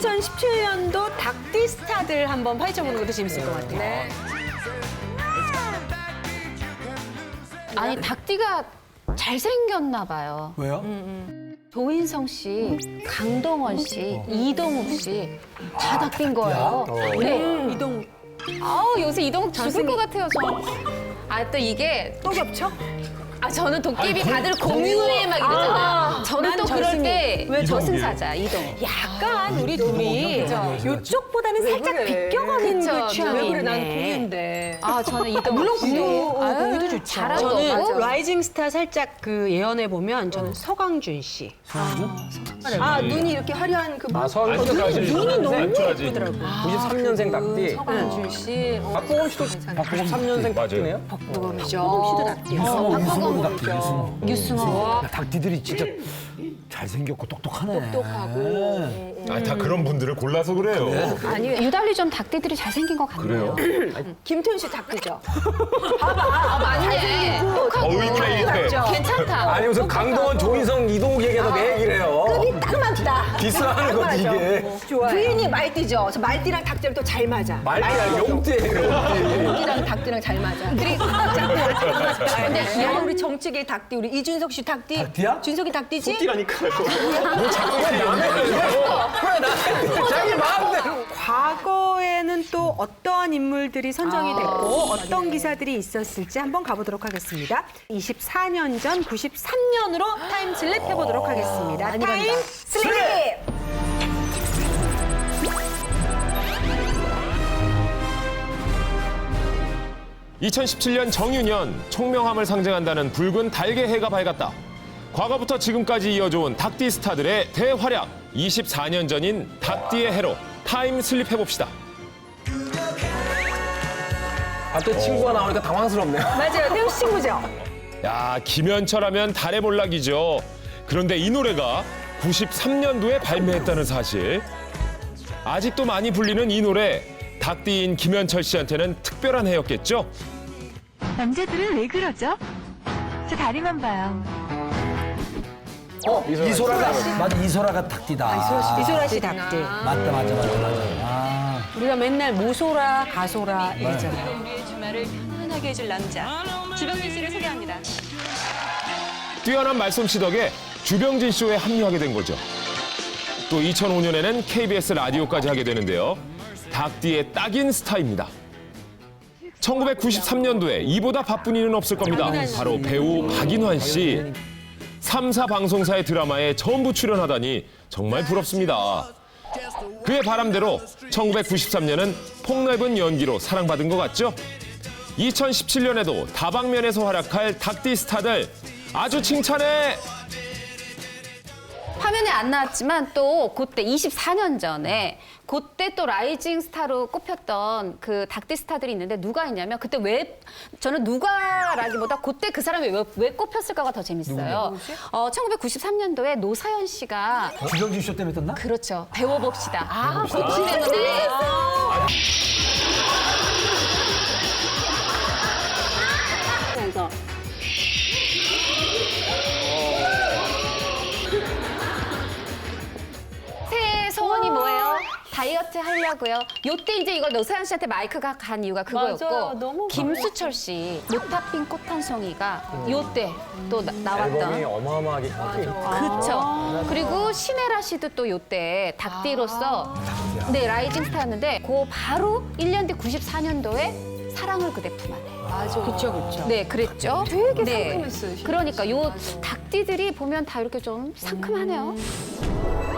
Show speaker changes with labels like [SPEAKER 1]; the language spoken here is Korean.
[SPEAKER 1] 2017년도 닭띠 스타들 한번 파헤쳐보는 것도 재밌을 것 같아요.
[SPEAKER 2] 네.
[SPEAKER 3] 아니 닭띠가 잘생겼나 봐요.
[SPEAKER 4] 왜요?
[SPEAKER 3] 조인성 씨, 강동원 씨, 이동욱 씨 다 닭띠인 거예요. 네.
[SPEAKER 1] 이동
[SPEAKER 3] 아우 요새 이동욱 죽을 것 같아요 저. 아 또 이게
[SPEAKER 1] 또 겹쳐?
[SPEAKER 3] 아 저는 도깨비 다들 공유해 막 이러잖아요. 저는
[SPEAKER 1] 난
[SPEAKER 3] 또 그럴
[SPEAKER 1] 저승이.
[SPEAKER 3] 때
[SPEAKER 1] 왜
[SPEAKER 3] 저승사자 이동욱.
[SPEAKER 1] 약간 우리 둘이 이쪽보다는 살짝 비껴가는
[SPEAKER 3] 그쵸.
[SPEAKER 1] 그 취향이
[SPEAKER 2] 왜 그래? 난
[SPEAKER 1] 있네.
[SPEAKER 2] 공유인데.
[SPEAKER 3] 아 저는 이동욱
[SPEAKER 1] 물론
[SPEAKER 3] 씨.
[SPEAKER 1] 공유,
[SPEAKER 3] 아유,
[SPEAKER 1] 공유도 좋죠.
[SPEAKER 3] 잘하고
[SPEAKER 1] 저는
[SPEAKER 3] 맞아.
[SPEAKER 1] 라이징 스타 살짝 그 예언해 보면 저는 서강준 씨.
[SPEAKER 2] 아, 눈이 이렇게 화려한 그
[SPEAKER 5] 아, 서울까지
[SPEAKER 1] 눈이 너무
[SPEAKER 5] 안쪽까지.
[SPEAKER 1] 예쁘더라고.
[SPEAKER 5] 93년생 닭띠.
[SPEAKER 2] 서강준 씨.
[SPEAKER 5] 박보검 씨도 박보검 3년생 닭띠네요?
[SPEAKER 1] 박보검 닭띠요.
[SPEAKER 4] 유승호도 닭띠, 유승호.
[SPEAKER 3] 유승호.
[SPEAKER 4] 닭띠들이 진짜 잘생겼고 똑똑하네. 똑똑하고.
[SPEAKER 6] 아, 다 그런 분들을 골라서 그래요.
[SPEAKER 2] 아니,
[SPEAKER 3] 유달리 좀 닭띠들이 잘생긴 것 같네요.
[SPEAKER 2] 김태훈 씨 닭띠죠?
[SPEAKER 3] 맞네.
[SPEAKER 6] 의문의 일패.
[SPEAKER 3] 괜찮다.
[SPEAKER 5] 아니 무슨 강동원, 조인성, 이동욱 얘기해서 내 얘기를 해요.
[SPEAKER 2] 급이 딱 맞다.
[SPEAKER 5] 디스하는 거지 이게.
[SPEAKER 2] 부인이 말띠죠? 저 말띠랑 닭띠랑 또 잘 맞아.
[SPEAKER 5] 말띠야 용띠예요.
[SPEAKER 2] 말띠랑 닭띠랑 잘 맞아. 그리고 근데 귀여운 우리 정치계 닭띠, 우리 이준석 씨 닭띠.
[SPEAKER 4] 닭띠야?
[SPEAKER 2] 준석이 닭띠지?
[SPEAKER 5] 띠라니까요. 뭐 자꾸 왜 나한테 자기 마음대로.
[SPEAKER 1] 과거에는 또 어떠한 인물들이 선정이 됐고 어떤 기사들이 있었을지 한번 가보도록 하겠습니다. 24년 전 93년으로 타임 슬립 해보도록 하겠습니다. 타임 슬립!
[SPEAKER 2] 슬립!
[SPEAKER 6] 2017년 정유년, 총명함을 상징한다는 붉은 달개 해가 밝았다. 과거부터 지금까지 이어져온 닭띠 스타들의 대활약. 24년 전인 닭띠의 해로 타임 슬립 해봅시다.
[SPEAKER 5] 갑자기 친구가 나오니까 당황스럽네요.
[SPEAKER 2] 맞아요. 태훈 씨 친구죠?
[SPEAKER 6] 야, 김현철 하면 달의 몰락이죠. 그런데 이 노래가 93년도에 발매했다는 사실. 아직도 많이 불리는 이 노래, 닭띠인 김현철 씨한테는 특별한 해였겠죠?
[SPEAKER 7] 남자들은 왜 그러죠? 저 다리만 봐요.
[SPEAKER 4] 이소라가 맞아, 이소라가 닭띠다.
[SPEAKER 1] 이소라 씨 닭띠.
[SPEAKER 4] 맞다. 아,
[SPEAKER 1] 우리가 맨날 모소라, 가소라 이랬잖아요.
[SPEAKER 7] 우리의 주말을 편안하게 해줄 남자. 주병진 씨를 소개합니다.
[SPEAKER 6] 뛰어난 말솜씨 덕에 주병진 쇼에 합류하게 된 거죠. 또 2005년에는 KBS 라디오까지 하게 되는데요. 닭띠의 딱인 스타입니다. 1993년도에 이보다 바쁜 이는 없을 겁니다. 바로 배우 박인환 씨. 3사 방송사의 드라마에 전부 출연하다니 정말 부럽습니다. 그의 바람대로 1993년은 폭넓은 연기로 사랑받은 것 같죠? 2017년에도 다방면에서 활약할 닭띠 스타들 아주 칭찬해!
[SPEAKER 3] 화면에 안 나왔지만 또 그때 24년 전에 그때 또 라이징 스타로 꼽혔던 그 닭띠 스타들이 있는데 누가 있냐면 그때 왜 저는 누가라기보다 그때 그 사람이 왜 꼽혔을까가 더 재밌어요. 1993년도에 노사연 씨가
[SPEAKER 4] 주병진 쇼 때문에 떴나?
[SPEAKER 3] 그렇죠. 배워봅시다. 아, 그것 때문에. 새해 소원이 뭐예요? 다이어트 하려고요. 요때 이제 이걸 노사연 씨한테 마이크가 간 이유가 그거였고
[SPEAKER 1] 맞아요. 너무
[SPEAKER 3] 김수철 씨 노타핀 꽃 한 송이가 요때 또
[SPEAKER 5] 앨범이
[SPEAKER 3] 나왔던
[SPEAKER 5] 어마어마하게 컸죠.
[SPEAKER 3] 그렇죠. 그리고 신혜라 씨도 또 요때 닭띠로서 네 라이징 스타였는데 그 바로 1년 뒤 94년도에 사랑을 그대 품 안에.
[SPEAKER 1] 맞아. 그쵸.
[SPEAKER 3] 네, 그랬죠.
[SPEAKER 2] 되게
[SPEAKER 3] 네.
[SPEAKER 2] 상큼했어요, 진짜.
[SPEAKER 3] 그러니까 요 닭띠들이 보면 다 이렇게 좀 상큼하네요.